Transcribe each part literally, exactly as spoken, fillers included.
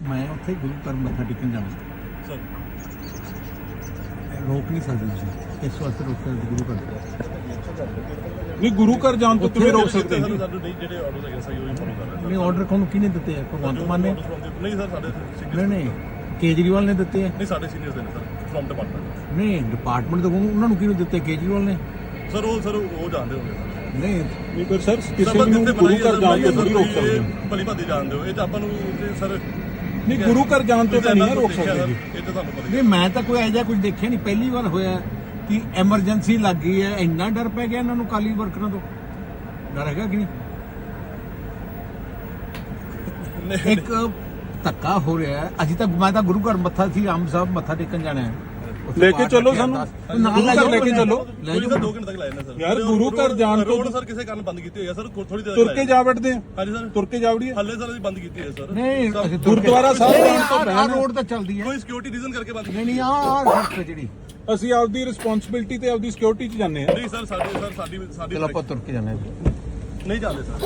मैं उत्थे गुरु घर मत्था टेकन जाना सर रोक नहीं सकते तुसीं इस वास्ते रोक सकते गुरु घर नहीं गुरु घर जान तो तुम्हें रोक सकते हैं नहीं ਜਿਹੜੇ ਆਰਡਰਸ ਹੈਗੇ ਸਹੀ ਉਹੀ ਫੋਲੋ ਕਰ ਰਹੇ नहीं ऑर्डर कौन किने दिते हैं भगवंत मान ने ਨਹੀਂ ਸਰ ਸਾਡੇ नहीं नहीं केजरीवाल ने दिते हैं ਨਹੀਂ ਸਾਡੇ ਸੀਨੀਅਰਸ ਦੇ ਨੇ ਸਰ ਫਰਮ ਡਿਪਾਰਟਮੈਂਟ नहीं डिपार्टमेंट तो उन्होंने किने दिते केजरीवाल ने ਸਰ ਉਹ ਸਰ ਉਹ ਜਾਣਦੇ ਹੋਗੇ नहीं नहीं पर सर किसी ਨੂੰ ਗੁਰੂ ਘਰ ਜਾਣ ਤੋਂ ਨਹੀਂ ਰੋਕ ਸਕਦੇ ਭਲੀ ਭਾਦੀ ਜਾਣਦੇ ਹੋ ਇਹ ਤਾਂ ਆਪਾਂ ਨੂੰ ਸਰ नहीं गुरु घर जान तो नहीं रोक सकते जी ਇਹ ਤਾਂ ਤੁਹਾਨੂੰ ਪਤਾ नहीं मैं तो कोई ऐसा कुछ देखा नहीं पहली बार होया कि एमरजेंसी लग गई है इन्ना डर पै गया इन्होंने काली वर्करों तो डर है कि नहीं एक धक्का हो रहा है अभी तक मैं तो गुरु घर मत्था थी आम साहब मत्था टेकन जाना है लेके चलो सानू गुरु घर लेके चलो ਕੋਈ ਤਾਂ ਦੋ ਘੰਟੇ ਤੱਕ ਲਾਇਆ ਨਾ ਸਰ यार गुरु घर जान तो ਰੋਡ ਸਰ ਕਿਸੇ ਕਾਰਨ ਬੰਦ ਕੀਤੀ ਹੋਈ ਹੈ ਸਰ ਥੋੜੀ ਦੇਰ तुर के जा बैठते हैं ਹਾਂਜੀ ਸਰ तुर के जावड़ी ਹੱਲੇ ਸਰ ਅਸੀਂ ਬੰਦ ਕੀਤੀ ਹੋਈ ਹੈ ਸਰ नहीं गुरुद्वारा साहब जान तो आ रोड तो चलती है ਕੋਈ ਸਿਕਿਉਰਿਟੀ ਰੀਜ਼ਨ ਕਰਕੇ ਬੰਦ ਕੀਤੀ नहीं नहीं आ सड़क पे जी ਅਸੀਂ ਆਪਦੀ ਰਿਸਪੌਂਸਿਬਿਲਟੀ ਤੇ ਆਪਦੀ ਸਿਕਿਉਰਿਟੀ 'ਚ ਜਾਂਦੇ ਹਾਂ ਨਹੀਂ ਸਰ ਸਾਡੇ ਸਰ ਸਾਡੀ ਸਾਡੀ चलो आप तुर के जाना है ਨਹੀਂ ਜਾਂਦੇ ਸਰ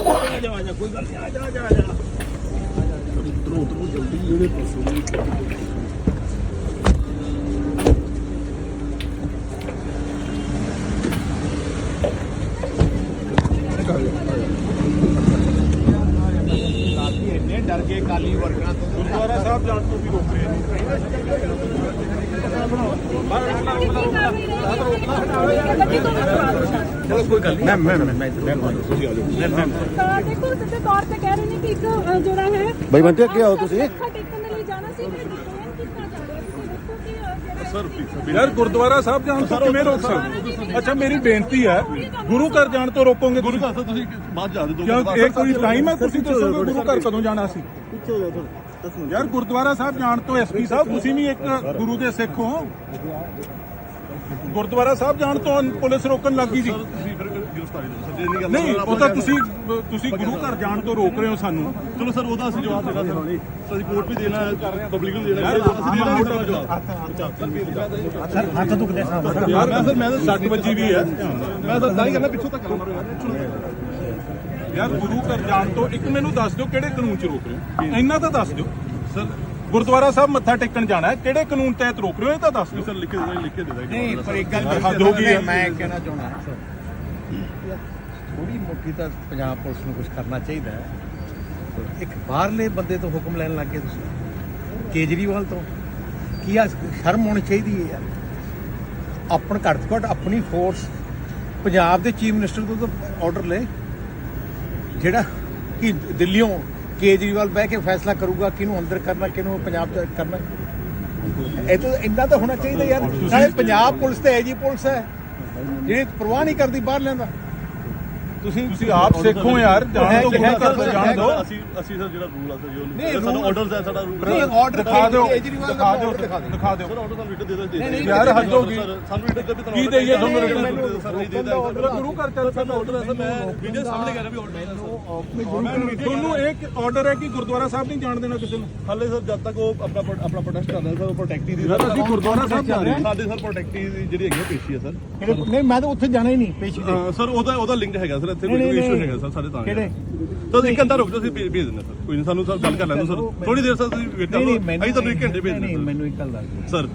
डर के काली वर्करों तो ਗੁਰਦੁਆਰਾ ਸਾਹਿਬ ਜਾਣ ਤੋਂ ਵੀ ਰੋਕ ਰਹੇ ਨੇ चलो कोई गल नहीं मैं मैं मैं ਦੇਖੋ ਸਿੱਧੇ ਤੌਰ ਤੇ ਕਹਿ ਰਹੇ ਨੇ ਕਿ ਇੱਕ ਅ, ਜਿਹੜਾ ਹੈ ਬਈ ਬੰਟੇ ਅੱਗੇ ਆਓ ਤੁਸੀਂ ਮੱਥਾ ਟੇਕਣ ਦੇ ਲਈ ਜਾਣਾ ਸੀ ਮੈਂ ਡਿਟੇਨ ਕੀਤਾ ਜਾ ਰਿਹਾ ਤੁਸੀਂ ਦੇਖੋ ਕਿ ਅ, ਜਿਹੜਾ ਸਰ ਯਾਰ ਗੁਰਦੁਆਰਾ ਸਾਹਿਬ ਜਾਣ ਤੋਂ ਕਿਵੇਂ ਰੋਕ ਸਕਦੇ ਅੱਛਾ ਮੇਰੀ ਬੇਨਤੀ ਹੈ ਗੁਰੂ ਘਰ ਜਾਣ ਤੋਂ ਰੋਕੋਗੇ ਗੁਰੂ ਘਰ ਤੋਂ ਤੁਸੀਂ ਬਾਅਦ ਜਾ ਦੇ ਦੋ ਕਿਉਂ ਇਹ ਕੋਈ ਟਾਈਮ ਹੈ ਤੁਸੀਂ ਦੱਸੋਗੇ ਗੁਰੂ ਘਰ ਕਦੋਂ ਜਾਣਾ ਸੀ ਯਾਰ ਗੁਰਦੁਆਰਾ ਸਾਹਿਬ ਜਾਣ ਤੋਂ ਐਸਪੀ ਸਾਹਿਬ ਤੁਸੀਂ ਵੀ ਇੱਕ ਗੁਰੂ ਦੇ ਸਿੱਖ ਹੋ ਗੁਰਦੁਆਰਾ ਸਾਹਿਬ ਜਾਣ ਤੋਂ ਪੁਲਿਸ ਰੋਕਣ ਲੱਗੀ ਸੀ ਤੁਸੀਂ ਫਿਰ ਗ੍ਰਿਫਤਾਰੀ ਦਿਓ ਸਰ ਜੇ ਨਹੀਂ ਗੱਲ ਨਹੀਂ ਉਹ ਤਾਂ ਤੁਸੀਂ ਤੁਸੀਂ ਗੁਰੂ ਘਰ ਜਾਣ ਤੋਂ ਰੋਕ ਰਹੇ ਹੋ ਸਾਨੂੰ ਚਲੋ ਸਰ ਉਹਦਾ ਅਸੀਂ ਜਵਾਬ ਦੇਣਾ ਸਰ ਸਰ ਅਸੀਂ ਕੋਰਟ ਵੀ ਦੇਣਾ ਪਬਲਿਕ ਨੂੰ ਦੇਣਾ ਅਸੀਂ ਦੇਣਾ ਉਹਦਾ ਜਵਾਬ सर हाथ तो देखा ਯਾਰ ਮੈਂ ਸਰ ਮੈਂ ਤਾਂ ਸੱਟ ਵੱਜੀ ਵੀ ਹੈ ਮੈਂ ਤਾਂ ਤਾਂ ਹੀ ਕਰਨਾ ਪਿੱਛੋਂ ਤੱਕ ਮਾਰੋ ਯਾਰ ਗੁਰੂ ਘਰ ਜਾਣ ਤੋਂ ਇੱਕ ਮੈਨੂੰ ਦੱਸ ਦਿਓ ਕਿਹੜੇ ਕਾਨੂੰਨ 'ਚ ਰੋਕ ਰਹੇ ਹੋ ਇੰਨਾ ਤਾਂ ਦੱਸ ਦਿਓ ਸਰ ਗੁਰਦੁਆਰਾ ਸਾਹਿਬ ਮੱਥਾ ਟੇਕਣ ਜਾਣਾ ਹੈ ਕਿਹੜੇ ਕਾਨੂੰਨ ਤਹਿਤ ਰੋਕ ਰਹੇ ਹੋ ਇਹ ਤਾਂ ਦੱਸ ਦਿਓ ਸਰ ਲਿਖ ਕੇ ਦੇ ਲਿਖ ਕੇ ਦੇ ਦਾਂਗੇ नहीं पर एक गल हद हो गई है। मैं कहना चाहना थोड़ी मोटी तो पंजाब पुलिस ਨੂੰ ਕੁਝ ਕਰਨਾ ਚਾਹੀਦਾ ਹੈ ਇੱਕ ਬਾਹਰਲੇ ਬੰਦੇ ਤੋਂ ਹੁਕਮ ਲੈਣ ਲੱਗ ਗਏ ਤੁਸੀਂ ਕੇਜਰੀਵਾਲ ਤੋਂ ਕੀ ਆ ਸ਼ਰਮ ਹੋਣੀ ਚਾਹੀਦੀ ਹੈ ਯਾਰ ਆਪਣ ਘੱਟ ਤੋਂ ਘੱਟ ਆਪਣੀ ਫੋਰਸ ਪੰਜਾਬ ਦੇ ਚੀਫ ਮਿਨਿਸਟਰ ਤੋਂ ਤਾਂ ਆਰਡਰ ਲੈ ਜਿਹੜਾ ਕਿ ਦਿੱਲੀੋਂ ਕੇਜਰੀਵਾਲ ਬਹਿ ਕੇ ਫੈਸਲਾ ਕਰੂਗਾ ਕਿਹਨੂੰ ਅੰਦਰ ਕਰਨਾ ਕਿਹਨੂੰ ਪੰਜਾਬ ਚ ਕਰਨਾ ਇਹ ਤਾਂ ਇੰਨਾ ਤਾਂ ਹੋਣਾ ਚਾਹੀਦਾ ਯਾਰ ਨਾਲੇ ਪੰਜਾਬ ਪੁਲਿਸ ਤੇ ਐਜੀ ਪੁਲਿਸ ਹੈ ਜਿਹੜੀ ਪਰਵਾਹ ਨਹੀਂ ਕਰਦੀ ਬਾਹਰ ਲੈਂਦਾ ਤੁਸੀਂ ਤੁਸੀਂ ਆਪ ਸਿੱਖੋ ਯਾਰ ਜਾਣ ਤੋਂ ਗੁਰੂ ਘਰ ਤੋਂ ਜਾਣ ਦਿਓ ਅਸੀਂ ਅਸੀਂ ਸਰ ਜਿਹੜਾ ਰੂਲ ਆ ਸਰ ਨਹੀਂ, ਜੋ ਸਾਡਾ rule- ਆਰਡਰਸ ਹੈ ਸਾਡਾ ਰੂਲ ਨਹੀਂ ਆਰਡਰ ਦਿਖਾ ਦਿਓ ਕੇਜਰੀਵਾਲ ਦਾ ਦਿਖਾ ਦਿਓ order ਦਿਖਾ ਦਿਓ ਦਿਖਾ ਦਿਓ ਸਰ ਆਰਡਰ ਸਾਨੂੰ ਰਿਟਨ ਦੇ ਦੇ ਨਹੀਂ, ਯਾਰ ਹੱਦ ਹੋ ਗਈ ਸਾਨੂੰ ਰਿਟਨ ਦੇ ਵੀ ਤੁਹਾਨੂੰ ਕੀ ਦੇਈਏ ਤੁਹਾਨੂੰ ਰਿਟਨ ਰਿਟਨ ਸਰ ਨਹੀਂ ਦੇ ਦਾਂਗੇ ਗੁਰੂ ਘਰ ਚੱਲ ਸਾਡਾ ਆਰਡਰ ਹੈ ਸਰ ਮੈਂ ਵੀਡੀਓ ਸਾਹਮਣੇ ਕਹਿ ਰਿਹਾ ਵੀ ਆਰਡਰ ਹੈ ਸਰ ਤੁਹਾਨੂੰ ਇੱਕ ਆਰਡਰ ਹੈ ਕਿ ਗੁਰਦੁਆਰਾ ਸਾਹਿਬ ਨਹੀਂ ਜਾਣ ਦੇਣਾ ਕਿਸੇ ਨੂੰ ਹਾਲੇ ਸਰ ਜਦ ਤੱਕ ਉਹ ਆਪਣਾ ਪ੍ਰੋ- ਆਪਣਾ ਪ੍ਰੋਟੈਸਟ ਕਰਦਾ ਸਰ ਉਹ ਪ੍ਰੋਟੈਕਟੀ ਦੀ ਯਾਰ ਅਸੀਂ ਗੁਰਦੁਆਰਾ ਸਾਹਿਬ ਜਾ ਰਹੇ ਹਾਂ ਸਾਡੇ ਸਰ ਪ੍ਰੋਟੈਕਟੀ ਦੀ ਜਿਹੜੀ ਹੈਗੀ ਆ ਪੇਸ਼ੀ ਹੈ ਸਰ ਨਹੀਂ ਮੈਂ ਤਾਂ ਉੱਥੇ ਜਾਣਾ ਹੀ ਨਹੀਂ ਪੇਸ਼ੀ ਤੇ ਅਹ ਸਰ ਉਹਦਾ ਉਹਦਾ ਲਿੰਕ ਹੈਗਾ ਸਰ ਇੱਥੇ ਕੋਈ ਨਹੀਂ, ਨਹੀਂ, ਇਸ਼ੂ ਨਹੀਂ। ਹੈਗਾ ਸਰ ਸਾਡੇ ਤਾਂ ਕਿਹੜੇ? ਤਾਂ ਇੱਕ ਘੰਟਾ ਰੁਕ ਜਾਓ ਅਸੀਂ ਭੇਜ ਭੇਜ ਦਿੰਦੇ ਸਰ ਕੋਈ ਨਹੀਂ ਸਾਨੂੰ ਸਰ ਗੱਲ ਕਰ ਲੈਣ ਦਿਓ ਸਰ ਥੋੜੀ ਦੇਰ ਸਰ ਤੁਸੀਂ ਵੇਟ ਕਰੋ ਅਸੀਂ ਤੁਹਾਨੂੰ ਇੱਕ ਘੰਟੇ ਭੇਜ ਨਹੀਂ ਦਿੰਦੇ ਮੈਨੂੰ ਇੱਕ ਗੱਲ ਦੱਸ ਦਿਓ ਸਰ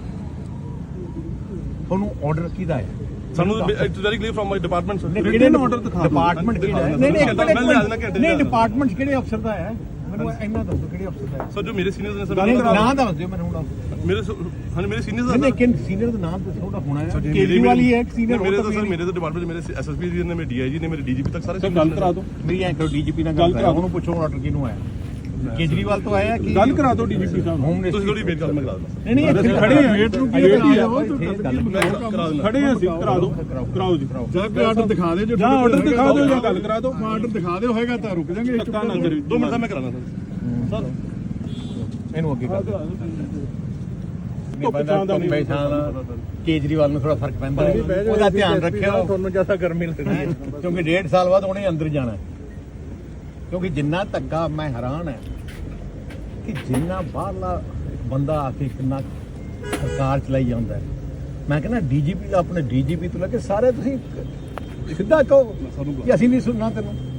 ਤੁਹਾਨੂੰ ਆਰਡਰ ਕਿਹਦਾ ਹੈ ਸਾਨੂੰ it's very clear from my department sir written order ਦਿਖਾ ਦਿਓ। ਡਿਪਾਰਟਮੈਂਟ ਕਿਹੜਾ ਹੈ ਦਿਖਾ ਨਹੀਂ ਨਹੀਂ ਦਿਓ। ਇੱਕ ਮੈਂ ਲਿਆ ਦੇਣਾ ਮਿੰਟ ਘੰਟੇ ਨਹੀਂ ਦਾ। ਡਿਪਾਰਟਮੈਂਟ ਕਿਹੜੇ ਅਫਸਰ ਦਾ ਹੈ ਮੈਨੂੰ ਇੰਨਾ ਦੱਸੋ ਕਿਹੜੇ ਅਫਸਰ ਦਾ ਹੈ ਸਰ ਜੋ ਮੇਰੇ ਸੀਨੀਅਰਸ ਨੇ ਸਰ ਨਹੀਂ, ਨਾਮ ਦੱਸ ਦਿਓ ਮੈਨੂੰ ਹੁਣ ਮੇਰੇ ਹਾਂ ਮੇਰੇ ਸੀਨੀਅਰਸ ਨਹੀਂ ਨਹੀਂ ਕਿ ਸੀਨੀਅਰ ਦਾ ਨਾਮ ਦੱਸੋ ਉਹਦਾ ਹੋਣਾ ਹੈ ਕੇਜਰੀਵਾਲ ਹੀ ਹੈ ਇੱਕ senior ਮੇਰੇ ਹੋਰ ਤਾਂ ਤਾਂ ਸਰ ਮੇਰੇ ਤਾਂ ਡਿਪਾਰਟਮੈਂਟ ਮੇਰੇ ਐਸਐਸਪੀ ਜੀ ਨੇ ਮੇਰੇ ਡੀਆਈਜੀ ਨੇ ਮੇਰੇ ਡੀਜੀਪੀ ਤੱਕ ਸਾਰੇ ਸਰ ਗੱਲ ਕਰਾ ਦਿਓ ਮੇਰੀ ਐਂ ਕਰੋ ਡੀਜੀਪੀ ਨਾਲ ਗੱਲ ਕਰਾ ਉਹਨੂੰ ਪੁੱਛੋ ਆਰਡਰ ਕਿਹਨੂੰ ਆਇਆ ਕੇਜਰੀਵਾਲ ਤੋਂ ਆਇਆ ਕਿ ਗੱਲ ਕਰਾ ਦਿਓ ਡੀਜੀਪੀ ਸਾਹਿਬ ਹੋਮ ਤੁਸੀਂ ਮਿਨਿਸਟਰ ਥੋੜੀ ਵੇਟ ਕਰ ਮੈਂ ਕਰਾ ਦਿੰਦਾ ਨਹੀਂ ਨਹੀਂ ਇੱਥੇ ਖੜੇ ਹਾਂ ਵੇਟ ਨੂੰ ਕੀ ਵੇਟ ਹੀ ਕਰਾ ਆ ਦਿਓ ਕਰਾ ਦਿੰਦਾ ਖੜੇ ਹਾਂ ਅਸੀਂ ਕਰਾ ਦਿਓ ਕਰਾਓ ਜੀ ਜਾਂ ਕੋਈ ਆਰਡਰ ਦਿਖਾ ਦੇ ਜੋ ਜਾਂ ਆਰਡਰ ਦਿਖਾ ਦਿਓ ਜਾਂ ਗੱਲ ਕਰਾ ਦਿਓ ਆਰਡਰ ਦਿਖਾ ਦਿਓ ਹੋਏਗਾ ਤਾਂ ਰੁਕ ਜਾਾਂਗੇ ਧੱਕਾ ਨਾ ਕਰਿਓ ਦੋ ਮਿੰਟ ਦਾ ਮੈਂ ਕਰਾਣਾ ਸਰ ਸਰ ਇਹਨੂੰ ਅੱਗੇ ਕਰ ਦਿਓ ਧੁੱਪ ਛਾਂ ਦਾ ਨਹੀਂ ਬੈਠਾ ਕੇਜਰੀਵਾਲ ਨੂੰ ਥੋੜਾ ਫਰਕ ਪੈਂਦਾ ਹੈ ਉਹਦਾ ਧਿਆਨ ਰੱਖਿਓ ਤੁਹਾਨੂੰ ਜਿਆਦਾ ਗਰਮੀ ਲੱਗਦੀ ਹੈ ਕਿਉਂਕਿ ਡੇਢ ਸਾਲ ਬਾਅਦ ਉਹਨੇ ਅੰਦਰ ਜਾਣਾ ਹੈ। ਕਿਉਂਕਿ ਜਿੰਨਾ ਧੱਕਾ ਮੈਂ ਹੈਰਾਨ ਹੈ ਕਿ ਜਿੰਨਾ ਬਾਹਰਲਾ ਬੰਦਾ ਆ ਕੇ ਕਿੰਨਾ ਸਰਕਾਰ ਚਲਾਈ ਜਾਂਦਾ ਹੈ। ਮੈਂ ਕਹਿੰਦਾ ਡੀਜੀਪੀ ਆਪਣੇ ਡੀਜੀਪੀ ਤੋਂ ਲੈ ਕੇ ਸਾਰੇ ਤੁਸੀਂ ਸਿੱਧਾ ਕਹੋ ਕਿ ਅਸੀਂ ਨਹੀਂ ਸੁਣਨਾ ਤੈਨੂੰ